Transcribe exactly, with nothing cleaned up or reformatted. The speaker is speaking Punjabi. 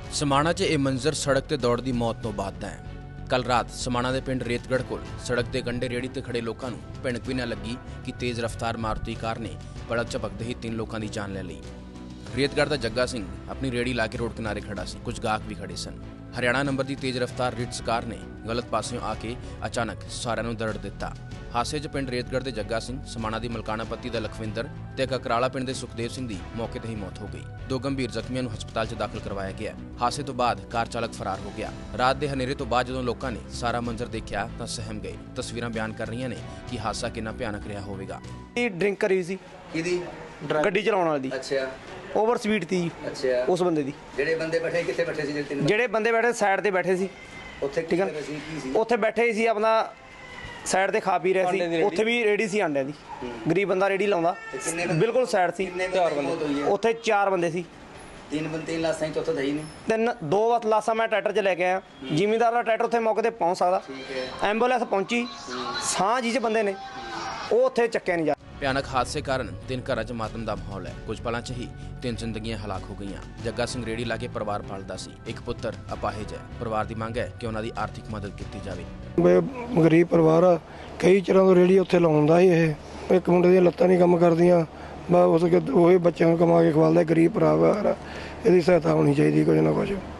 समाणा 'ਚ ਇਹ ਮੰਜ਼ਰ ਸੜਕ ਤੇ ਦੌੜਦੀ ਮੌਤ ਤੋਂ ਬਾਅਦ ਦਾ ਹੈ। ਕੱਲ ਰਾਤ समाणा ਦੇ ਪਿੰਡ ਰੇਤਗੜ੍ਹ ਕੋਲ ਸੜਕ ਦੇ ਕੰਢੇ ਰੇੜੀ ਤੇ ਖੜੇ ਲੋਕਾਂ ਨੂੰ ਭਿਣਕ ਵੀ ਨਾ ਲੱਗੀ ਕਿ ਤੇਜ਼ ਰਫ਼ਤਾਰ ਮਾਰੂਤੀ ਕਾਰ ਨੇ ਪਲਕ ਝਪਕਦੇ ਹੀ ਤਿੰਨ ਲੋਕਾਂ ਦੀ ਜਾਨ ਲੈ ਲਈ। ਰੇਤਗੜ੍ਹ ਦਾ ਜੱਗਾ ਸਿੰਘ ਆਪਣੀ ਰੇੜੀ ਲਾ ਕੇ ਰੋਡ ਕਿਨਾਰੇ ਖੜਾ ਸੀ। ਕੁਝ ਗਾਹਕ ਵੀ ਖੜੇ ਸਨ। ਹਰਿਆਣਾ ਨੰਬਰ ਦੀ ਤੇਜ਼ ਰਫ਼ਤਾਰ ਰਿਟਸ ਕਾਰ ਨੇ ਗਲਤ ਪਾਸਿਓਂ ਆ ਕੇ ਅਚਾਨਕ ਸਾਰਿਆਂ ਨੂੰ ਦਰੜ ਦਿੱਤਾ। ਹਾਸੇ 'ਚ ਪਿੰਡ ਰੇਤਗੜ੍ਹ ਦੇ ਜੱਗਾ ਸਿੰਘ, समाणा ਦੀ ਮਲਕਾਣਾ ਪੱਤੀ ਦਾ ਲਖਵਿੰਦਰ ਤੇ ਕਕਰਾਲਾ ਪਿੰਡ ਦੇ ਸੁਖਦੇਵ ਸਿੰਘ ਦੀ ਮੌਕੇ ਤੇ ਹੀ ਮੌਤ ਹੋ ਗਈ। ਦੋ ਗੰਭੀਰ ਜ਼ਖਮੀਆਂ ਨੂੰ ਹਸਪਤਾਲ 'ਚ ਦਾਖਲ ਕਰਵਾਇਆ ਗਿਆ। ਹਾਸੇ ਤੋਂ ਬਾਅਦ ਕਾਰ ਚਾਲਕ ਫਰਾਰ ਹੋ ਗਿਆ। ਰਾਤ ਦੇ ਹਨੇਰੇ ਤੋਂ ਬਾਅਦ ਜਦੋਂ ਲੋਕਾਂ ਨੇ ਸਾਰਾ ਮੰਜ਼ਰ ਦੇਖਿਆ ਤਾਂ ਸਹਿਮ ਗਏ। ਤਸਵੀਰਾਂ ਬਿਆਨ ਕਰ ਰਹੀਆਂ ਨੇ ਕਿ ਹਾਦਸਾ ਕਿੰਨਾ ਭਿਆਨਕ ਰਿਹਾ ਹੋਵੇਗਾ। ਇਹ ਡਰਿੰਕ ਕਰੀ ਸੀ ਕਿਹਦੀ? ਗੱਡੀ ਚਲਾਉਣ ਵਾਲੀ ਦੀ। ਅੱਛਾ, ਓਵਰ ਸਪੀਡ ਤੀ ਅੱਛਾ। ਉਸ ਬੰਦੇ ਦੀ। ਜਿਹੜੇ ਬੰਦੇ ਬੈਠੇ ਕਿੱਥੇ ਬੈਠੇ ਸੀ? ਜਿਹੜੇ ਤਿੰਨ ਜਿਹੜੇ ਬੰਦੇ ਬੈਠੇ ਸਾਈਡ ਤੇ ਬੈਠੇ ਸੀ। ਉੱਥੇ ਠੀਕ ਹੈ ਕੀ ਸੀ? ਕੀ ਸੀ? ਉੱਥੇ ਬੈਠੇ ਸੀ, ਆਪਣਾ ਸਾਈਡ ਤੇ ਖਾ ਪੀ ਰਹੇ ਸੀ। ਉੱਥੇ ਵੀ ਰੇੜੀ ਸੀ ਆਂਡਿਆਂ ਦੀ। ਗਰੀਬ ਬੰਦਾ ਰੇੜੀ ਲਾਉਂਦਾ, ਬਿਲਕੁਲ ਸਾਈਡ ਸੀ। ਚਾਰ ਬੰਦੇ ਉੱਥੇ ਚਾਰ ਬੰਦੇ ਸੀ। ਤਿੰਨ ਬੰਦੇ ਤਿੰਨ ਲਾਸਾਂ ਹੀ, ਚੌਥਾ ਤਾਂ ਹੀ ਨਹੀਂ। ਤਿੰਨ ਦੋ ਵਾਰ ਲਾਸਾਂ ਮੈਂ ਟਰੈਕਟਰ 'ਚ ਲੈ ਕੇ ਆਇਆ। ਜ਼ਿਮੀਂਦਾਰ ਦਾ ਟਰੈਕਟਰ ਉੱਥੇ ਮੌਕੇ ਤੇ ਪਹੁੰਚ ਸਕਦਾ। ਠੀਕ ਹੈ। ਐਂਬੂਲੈਂਸ ਪਹੁੰਚੀ, ਸਾਹ ਜਿਹੇ ਬੰਦੇ ਨੇ ਉਹ ਉੱਥੇ ਚੱਕਿਆ ਨਹੀਂ ਜਾ। ਭਿਆਨਕ ਹਾਦਸੇ ਕਾਰਨ ਤਿੰਨ ਘਰਾਂ 'ਚ ਮਾਤਮ ਦਾ ਮਾਹੌਲ ਹੈ। ਕੁਝ ਪਲਾਂ 'ਚ ਹੀ ਤਿੰਨ ਜ਼ਿੰਦਗੀਆਂ ਹਲਾਕ ਹੋ ਗਈਆਂ। ਜੱਗਾ ਸਿੰਘ ਰੇੜੀ ਲਾ ਕੇ ਪਰਿਵਾਰ ਪਾਲਦਾ ਸੀ। ਇੱਕ ਪੁੱਤਰ ਅਪਾਹਿਜ ਹੈ। ਪਰਿਵਾਰ ਦੀ ਮੰਗ ਹੈ ਕਿ ਉਹਨਾਂ ਦੀ ਆਰਥਿਕ ਮਦਦ ਕੀਤੀ ਜਾਵੇ। ਗਰੀਬ ਪਰਿਵਾਰ ਆ, ਕਈ ਚਿਰਾਂ ਤੋਂ ਰੇੜੀ ਉੱਥੇ ਲਾਉਂਦਾ ਸੀ। ਇਹ ਇੱਕ ਮੁੰਡੇ ਦੀਆਂ ਲੱਤਾਂ ਨਹੀਂ ਕੰਮ ਕਰਦੀਆਂ, ਬਸ ਉਸ ਉਹ ਬੱਚਿਆਂ ਨੂੰ ਕਮਾ ਕੇ ਖਵਾਲਦਾ। ਗਰੀਬ ਪਰਿਵਾਰ ਆ, ਇਹਦੀ ਸਹਾਇਤਾ ਹੋਣੀ ਚਾਹੀਦੀ ਕੁਝ ਨਾ ਕੁਝ।